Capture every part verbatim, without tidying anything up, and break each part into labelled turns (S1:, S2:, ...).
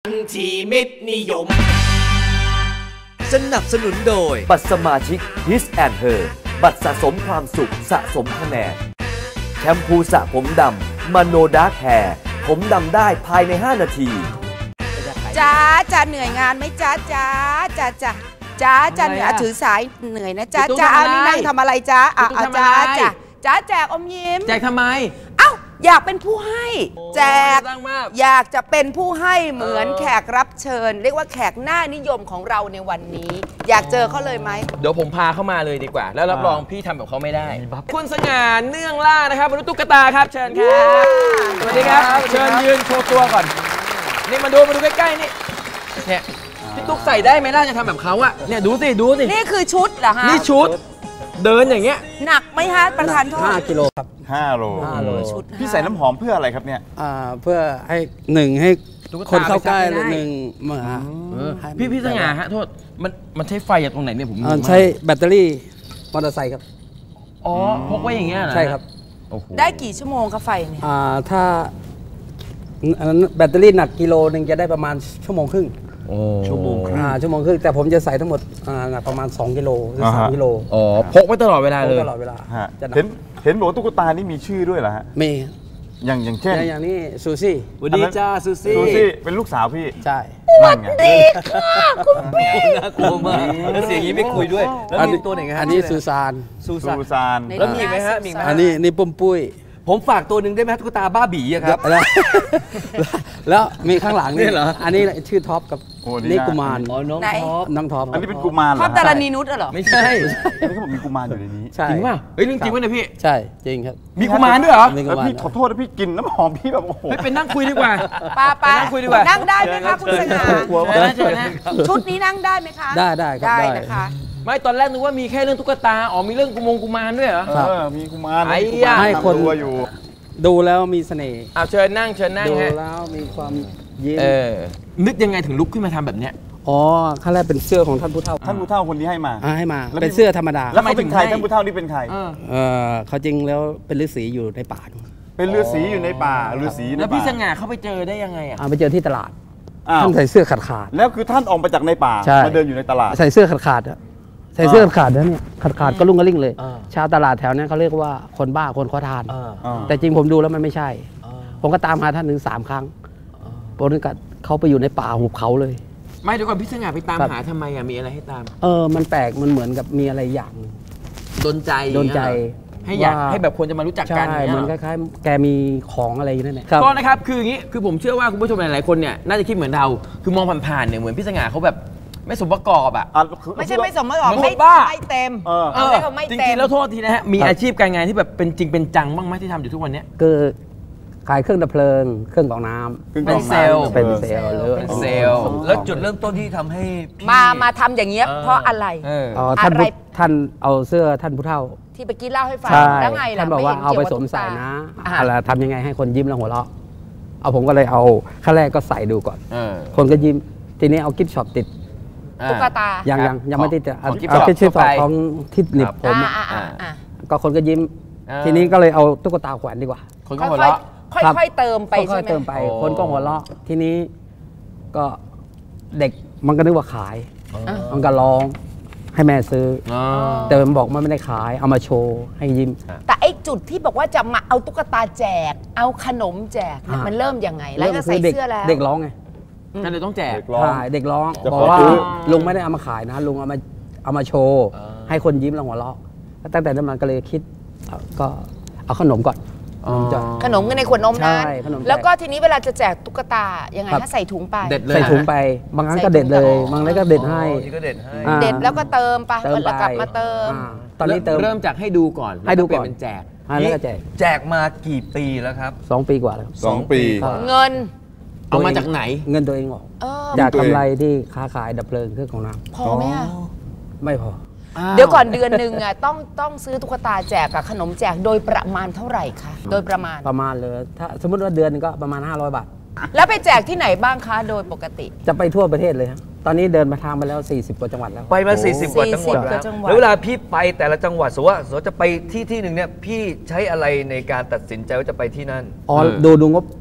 S1: ชีมิตรนิยม
S2: สนับสนุนโดยบัตรสมาชิก His and Her บัตรสะสมความสุขสะสมคะแนนแชมพูสระผมดำมาโนดาร์คแฮร์ผมดำได้ภายในห้านาที
S3: จ้าจ้าเหนื่อยงานไหมจ้าจ้าจ้าจ้าจ้าจ้าเหนื่อยถือสายเหนื่อยนะจ้าจ้าเอานี่นั่งทำอะไรจ้าอ่ะจ้าจ้าจ้าแจกอมยิ้ม
S4: แจกทำไม
S3: เอ้าอยากเป็นผู้ให้แจกอยากจะเป็นผู้ให้เหมือนแขกรับเชิญเรียกว่าแขกหน้านิยมของเราในวันนี้อยากเจอเขาเลยไหม
S4: เดี๋ยวผมพาเข้ามาเลยดีกว่าแล้วรับรองพี่ทำแบบเขาไม่ได้คุณสง่าเนื่องล่านะครับมนุษย์ตุ๊กตาครับเชิญครับสวัสดีครับเชิญยืนโชว์ตัวก่อนนี่มาดูมาดูใกล้ๆนี่เนี่ยพี่ตุ๊กใส่ได้ไหมล่ะจะทำแบบเขาอะเนี่ยดูสิดูสิ
S3: นี่คือชุดเหรอฮะ
S4: นี่ชุดเดินอย่างเงี้ย
S3: หนักไหมฮะประธานโทษ
S5: ห้ากิโลครับ
S6: ห้าโล
S3: ชุด
S6: พี่ใส่น้ำหอมเพื่ออะไรครับเนี่ย
S5: อ่าเพื่อให้หนึ่งให้คนเข้าใกล้หนึ่งเมื่อ
S4: พี่พี่สง่าฮะโทษมันมันใช้ไฟจากตรงไหนเนี่ยผม
S5: ใช้แบตเตอรี่มอเตอร์ไซค์ครับ
S4: อ๋อพกไว้อย่างเงี้ยเหรอ
S5: ใช่ครับ
S3: ได้กี่ชั่วโมงคะไฟเนี่ย
S5: อ่าถ้าอันนั้นแบตเตอรี่หนักกิโลหนึ่งจะได้ประมาณชั่วโมงครึ่ง
S6: ชั่วโมงครึ่ง
S5: ชั่วโมงครึ่งแต่ผมจะใส่ทั้งหมดประมาณสองกิโลหรือสามกิโล
S4: อ๋อพกไว้ตลอดเวลาเลย
S5: ตลอดเวลา
S6: เห็นเห็นบอกตุ๊กตานี่มีชื่อด้วยเหรอฮะ
S5: มี
S6: อย่างอย่างเช่น
S5: อย่างนี้ซูซี่
S4: สวัสดีจ้าซูซี่
S6: ซูซี่เป็นลูกสาวพี่
S5: ใช่
S3: สวัสดีค่ะคุณพี่
S4: น่ากลัวมากแล้วเสียงนี้ไม่คุยด้วยแล้วมีตัวไหนฮะ
S5: อันนี้ซูซาน
S6: ซูซาน
S4: แล้วมีไหมฮะมีไหม
S5: อันนี้นี่ปุ้มปุ้ย
S4: ผมฝากตัวหนึ่งได้ไหมตุ๊กตาบ้าบี่ครับ
S5: แล้วมีข้างหลังนี่เหรออันนี้ชื่อท็อปกับนี่กุมาร
S4: น้องท็อป
S5: น้องท็อป
S6: อันนี้เป็นกุมาร
S3: ท็อปดารณีนุชเหรอ
S4: ไม่ใช่
S6: อันนี้เขาบอกมีกุมารอยู่ในนี้
S5: จ
S4: ริงป่ะเฮ้ยเรื่องจริงป่ะเนี่ยพี่
S5: ใช่จริงครับ
S4: มีกุมารด้วยเหรอ
S6: แล้วพี่ขอโทษนะพี่กินน้ำหอมพี่แบบโอ้โห
S4: ไม่เป็นนั่งคุยดีกว่า
S3: ป้าป้า
S4: นั่งคุยดีกว่า
S3: นั่งได้ไหมคะคุณสง่าชุดนี้นั่งได้ไหมคะ
S5: ได้ได้
S3: ได้นะคะ
S4: ไม่ตอนแรกนึกว่ามีแค่เรื่องตุ๊กตาอ๋อมีเรื่องกุมงกุมารด้วยเหรอ
S6: เออมีกุมาร
S5: ให้คน
S6: อยู่
S5: ดูแล้วมีเสน่ห์
S4: เอาเชิญนั่งเชิญนั่งฮะ
S5: ดูแล้วมีความยิ้ม
S4: เออนึกยังไงถึงลุกขึ้นมาทำแบบเนี้ย
S5: อ๋อขั้นแรกเป็นเสื้อของท่านผู้เฒ่า
S6: ท่านผู้เฒ่าคนนี้ให้มา
S5: ให้มาเป็นเสื้อธรรมดา
S6: แล้วเขาเป็นใครท่านผู้เฒ่านี่เป็นใคร
S5: เออเขาจริงแล้วเป็นฤาษีอยู่ในป่า
S6: เป็นฤาษีอยู่ในป่าฤาษี
S4: แล้วพี่สง่าเข้าไปเจอได้ยังไงอ่ะ
S5: ไปเจอที่ตลาดท่านใส่เสื้อขาดขาด
S6: แล้วคือท่านออกมาจากในป่ามาเดินอยู่ในตลาด
S5: ใส่เสื้อขาดขาดใส่เสื้อขาดแล้วเนี่ยขาดขาดก็ลุ่งกระลิ่งเลยชาวตลาดแถวนั้นเขาเรียกว่าคนบ้าคนขอทานแต่จริงผมดูแล้วมันไม่ใช่ผมก็ตามหาท่านถึงสามครั้งโปรนึกเขาไปอยู่ในป่าหุบเขาเลย
S4: ไม่เดี๋ยวก่อนพี่สง่าไปตามหาทำไมอ่ะมีอะไรให้ตาม
S5: เออมันแปลกมันเหมือนกับมีอะไรอย่าง
S4: โดนใจ
S5: โดนใจ
S4: ให้อยากให้แบบคนจะมารู้จักกัน
S5: ใช่เหมือนคล้ายๆแกมีของอะไรนั่นแหละ
S4: ก็นะครับคืออย่างนี้คือผมเชื่อว่าคุณผู้ชมหลายๆคนเนี่ยน่าจะคิดเหมือนเราคือมองผ่านๆเนี่ยเหมือนพี่สง่าเขาแบบไม่สมประกอบอ่ะ
S3: ไม่ใช่ไม่สมประกอบไม่ไม่เต็มเออ
S4: จริงๆแล้วโทษทีนะฮะมีอาชีพการงานที่แบบเป็นจริงเป็นจังบ้างไหมที่ทำอยู่ทุกวันนี้
S5: คือขายเครื่องดับเพลิงเครื่องกรองน้
S4: ำเป็นเซลล์
S5: เป็นเซลล์หรือ
S4: เป็นเซลล์แล้วจุดเริ่มต้นที่ทำให้
S3: มามาทำอย่างเงี้ยเพราะอะไร
S5: ท่านท่านเอาเสื้อท่านผู้เฒ่า
S3: ที่เมื่อกี้เล่าให้ฟังแล้วไงล่ะ
S5: ท่านบอกว่าเอาไปสวมใส่นะอะไรทำยังไงให้คนยิ้มแล้วหัวเราะเอาผมก็เลยเอาขั้นแรกก็ใส่ดูก่อนคนก็ยิ้มทีนี้เอากิฟต์ช็อปติด
S3: ตุ๊กตา
S5: ยังยังยังไม่ติดเอากิฟต์ช็อปของที่หนิบผมก็คนก็ยิ้มทีนี้ก็เลยเอาตุ๊กตาแขวนดีกว่า
S4: คนก็หัวเราะ
S3: ค่อยๆเติมไปใช่ไหม
S5: ค่อยๆเติมไปคนก็หัวเราะทีนี้ก็เด็กมันก็นึกว่าขายมันก็ร้องให้แม่ซื้อแต่มันบอกมันไม่ได้ขายเอามาโชว์ให้ยิ้ม
S3: แต่ไอ้จุดที่บอกว่าจะมาเอาตุ๊กตาแจกเอาขนมแจกมันเริ่มยังไงแล้วก็ใส่เสื้อแล้ว
S5: เด็กร้องไง
S4: นั่นเลยต้องแจก
S5: ใช่เด็กร้องบอกว่าลุงไม่ได้เอามาขายนะลุงเอามาเอามาโชว์ให้คนยิ้มแล้วหัวเราะตั้งแต่นั้นมันก็เลยคิดก็เอาขนมก่อน
S3: ขนมในขวดนมนะแล้วก็ทีนี้เวลาจะแจกตุ๊กตายังไงถ้าใส่ถุงไป
S5: ใส่ถุงไปบางครั้งก็เด็ดเลยบางครั้งก็เด็ดให้
S4: เด็ดให้
S3: เด็ดแล้วก็เติมไปแล้วกลับมาเติม
S5: ตอนนี้เติม
S4: เริ่มจากให้ดูก่อน
S5: ให้ดูก่อน
S4: เป็นแจก
S5: แล้วก็แจก
S4: แจกมากี่ปีแล้วครับ
S5: สองปีกว่าแล้ว
S6: สองปี
S3: เงิน
S4: เอามาจากไหน
S5: เงินตัวเองหรอกอยากกำไรที่ค้าขายดับเพลิงเครื่องของน้ำ
S3: พอไหมอ่ะ
S5: ไม่พอ
S3: เดี๋ยวก่อนเดือนหนึ่งอ่ะต้องต้องซื้อตุ๊กตาแจกกับขนมแจกโดยประมาณเท่าไหร่คะโดยประมาณ
S5: ประมาณเลยถ้าสมมติว่าเดือนนึงก็ประมาณห้าร้อยบาท
S3: แล้วไปแจกที่ไหนบ้างคะโดยปกติ
S5: จะไปทั่วประเทศเลยครับตอนนี้เดินมาทางไปแล้วสี่สิบกว่าจังหวัดแล้ว
S4: ไปมาสี่สิบกว่าจังหวัดแล้วแล้วเวลาพี่ไปแต่ละจังหวัดสมมติว่าสมมติจะไปที่ที่หนึ่งเนี่ยพี่ใช้อะไรในการตัดสินใจว่าจะไปที่นั่น
S5: อ๋อดูดูงบ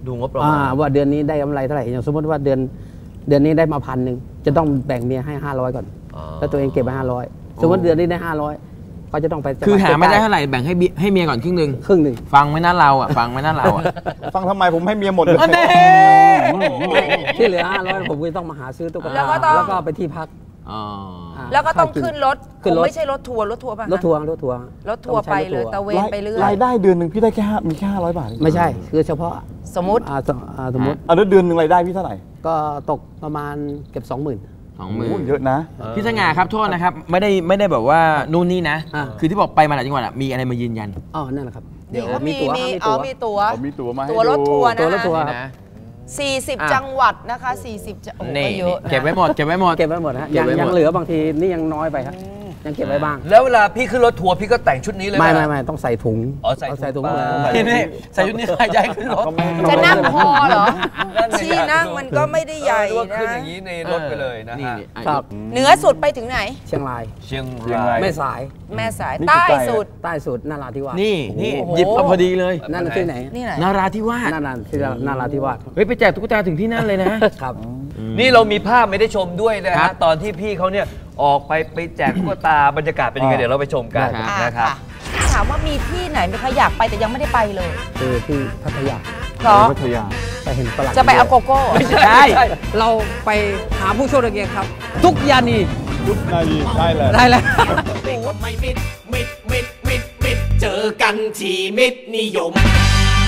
S2: ดูงบประมา
S5: อ่า
S2: ณ
S5: ว่าเดือนนี้ได้กำไรเท่าไหร่อย่างสมมติว่าเดือนเดือนนี้ได้มาพันหนึ่งจะต้องแบ่งเมียให้ห้าร้อยก่อน
S2: อ๋อ
S5: แล้วตัวเองเก็บไว้ห้าร้อยสมมติเดือนนี้ได้ห้าร้อยก็จะต้องไป
S4: คือหาไม่ได้เท่าไหร่แบ่งให้เบียให้เมียก่อนครึ่งหนึ่ง
S5: ครึ่งหนึ่ง
S4: ฟังไม่น่าเราอ่ะฟังไม่น่าเราอ่ะ
S6: ฟังทำไมผมให้เมียหมดเลย
S5: ที่เหลือห้าร้อยผมก็ต้องมาหาซื้อตุ๊ก
S3: แล้
S5: ตาว
S3: ก็ต้อง
S5: แล้วก็ไปที่พัก
S4: อ๋อ
S5: อ่า
S3: แล้วก็ต้อง
S5: ค่า
S3: ขึ้นรถ
S5: ขึ้นรถ
S3: คงไม่ใช่รถทัวร์รถทัวร์ป่ะ
S5: รถทัวร์รถทัวร์
S3: รถทัวร์ไปเลยตะเวนไปเรื่อย
S6: รายได้เดือนหนึ่งพี่ได้แค่ห้ามีแค่ห้าร้อยบาทเอง
S5: ไม่ใช่คือเฉพาะ
S3: สมมติ
S5: อ่าสอ่าสมมติ
S6: อ่ะแล้วเดือนหนึ่งรายได้พี่เท่าไหร่
S5: ก็ตกประมาณเก็บสองหมื่น
S4: สองหมื่น
S6: โอ้เยอะนะ
S4: พี่สง่าครับโทษนะครับไม่ได้ไม่ได้แบบว่านู่นนี่นะ
S5: อ่า
S4: คือที่บอกไปมาหลายจังหวัดอะมีอะไรมายืนยัน
S5: อ๋อนั่นแหละครับ
S3: นี่เขามี
S5: ตั๋ว
S3: มี
S5: ครับ
S3: อ๋อมีตั๋ว
S6: ผมมีตั๋วมาให้
S3: ตั๋วรถ
S6: ดู
S3: ทัวร์
S5: ตัว
S3: นะ
S5: รถทัวร์
S4: นี่
S5: ครับ
S4: นะ
S3: สี่สิบ
S4: อ่ะ
S3: จังหวัดนะคะสี่สิบจังโอ้โห
S4: นี่
S3: ก็เยอะนะ
S4: เก็บไว้หมดเก็บไว้หมด
S5: เก็บไว้หมดฮะ
S4: เก็
S5: ยั
S4: บ
S5: ง
S4: ไว้หมด
S5: ยังเหลือบางทีนี่ยังน้อยไปครับยังเก็บไว้บ้าง
S2: แล้วเวลาพี่ขึ้นรถทัวร์พี่ก็แต่งชุดนี้เลย
S5: ไม่
S2: ห
S5: ไม่ไม่ต้องใส่ถุง
S2: อ๋อใส่
S5: เาใส่
S2: ถุ
S5: ถุ
S2: ง
S5: ง
S2: มา
S5: เลย
S4: นี่นี่ใส่ชุดนี้ใครย้ายขึ้นรถ
S3: จะนั่งพอเหรอ
S2: นั่นไง
S3: ที่นั่งมันก็ไม่ได้ใหญ่
S2: เออนึกว่าขึ้น
S3: นะ
S2: อย่างนี้ในรถไปเลยนะฮะ
S5: ครับ
S3: เหนือสุดไปถึงไหน
S5: เชียงราย
S2: เชียง
S6: เชียง
S2: ราร
S6: าย ย
S5: แม่สาย
S3: แม่สาย
S6: นี่คือ
S3: ใต้
S6: ไกล
S3: สุด
S5: ใต้สุดนาราธิวาส
S4: นี่นี่
S3: โอ้โห
S4: หยิบมาพอดีเลย
S5: นั่นนะที่ไหน
S3: นี่ไหน
S4: นาราธิวาส
S5: นาราที่นาราธิวาส
S4: เฮ้ยไปแจกตุ๊กตาถึงที่นั่นเลยนะ
S5: ครับ
S2: นี่เรามีภาพไม่ได้ชมด้วยนะ
S4: ครั
S2: ฮะ
S4: บ
S2: ตอนที่พี่เขาเนี่ยออกไปไปแจกตุ๊กตาบรรยากาศเป็นยังไง
S6: อ่า
S2: เดี๋ยวเราไปชมกัน
S3: อ่า
S2: นะครับ
S3: ค่ะถามว่ามีที่ไหนไหมคะอยากไปแต่ยังไม่ได้ไปเลย
S5: คือที่พัทยา
S3: เพราะ
S6: พัทยา
S5: ไปเห็นฝรั่ง
S3: จะไปเอาโกโก้
S5: ไม่ใช่เราไปหาผู้โชคดีครับ ทุกยานี
S6: ยุคนาทีได้เลย
S5: ได้แล้ว
S1: ไม่มิดมิดมิดมิดมิดเจอกันที่มิดนิยม